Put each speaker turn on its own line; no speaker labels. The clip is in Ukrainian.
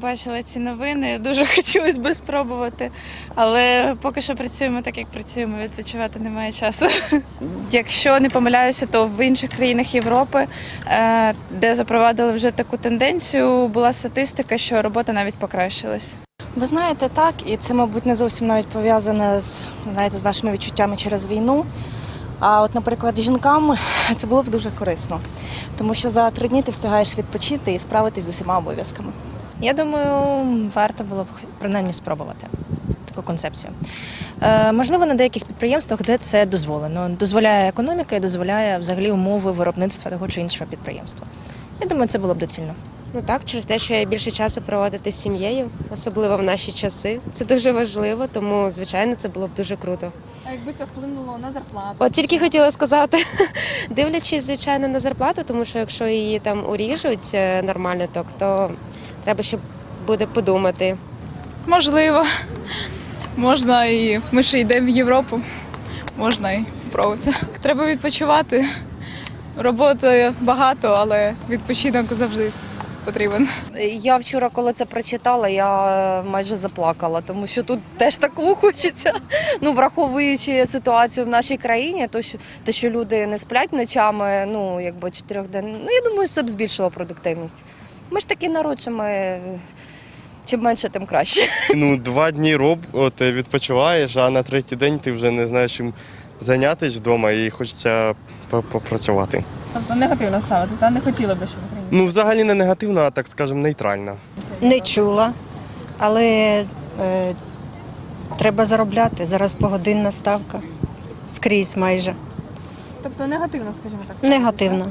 побачила ці новини, дуже хотілося б спробувати, але поки що працюємо так, як працюємо, відпочивати немає часу. Якщо не помиляюся, то в інших країнах Європи, де запровадили вже таку тенденцію, була статистика, що робота навіть покращилась.
Ви знаєте, так, і це, мабуть, не зовсім навіть пов'язане з нашими відчуттями через війну. А от, наприклад, жінкам це було б дуже корисно, тому що за 3 дні ти встигаєш відпочити і справитись з усіма обов'язками.
Я думаю, варто було б принаймні спробувати таку концепцію. Можливо, на деяких підприємствах, де це дозволено. Дозволяє економіка і дозволяє взагалі умови виробництва того чи іншого підприємства. Я думаю, це було б доцільно.
Ну так, через те, що я більше часу проводити з сім'єю, особливо в наші часи. Це дуже важливо, тому, звичайно, це було б дуже круто.
А якби це вплинуло на зарплату?
От тільки хотіла сказати, дивлячись, звичайно, на зарплату, тому що якщо її там уріжуть нормально, то треба, щоб буде подумати.
Можливо. Можна і ми ще йдемо в Європу. Можна і спробувати. Треба відпочивати. Роботи багато, але відпочинок завжди потрібен.
Я вчора, коли це прочитала, я майже заплакала, тому що тут теж такого хочеться. Ну, враховуючи ситуацію в нашій країні, те, що люди не сплять ночами, 4 день, я думаю, це б збільшило продуктивність. Ми ж такий народ, що ми чим менше, тим краще.
2 дні відпочиваєш, а на 3-й день ти вже не знаєш чим зайнятися вдома і хочеться попрацювати.
Тобто негативно ставитися, не хотіли би, щоб в Україні?
Взагалі не негативно, а так скажемо нейтрально.
Не чула, але треба заробляти. Зараз погодинна ставка. Скрізь майже.
Тобто негативно, скажімо так?
Негативно.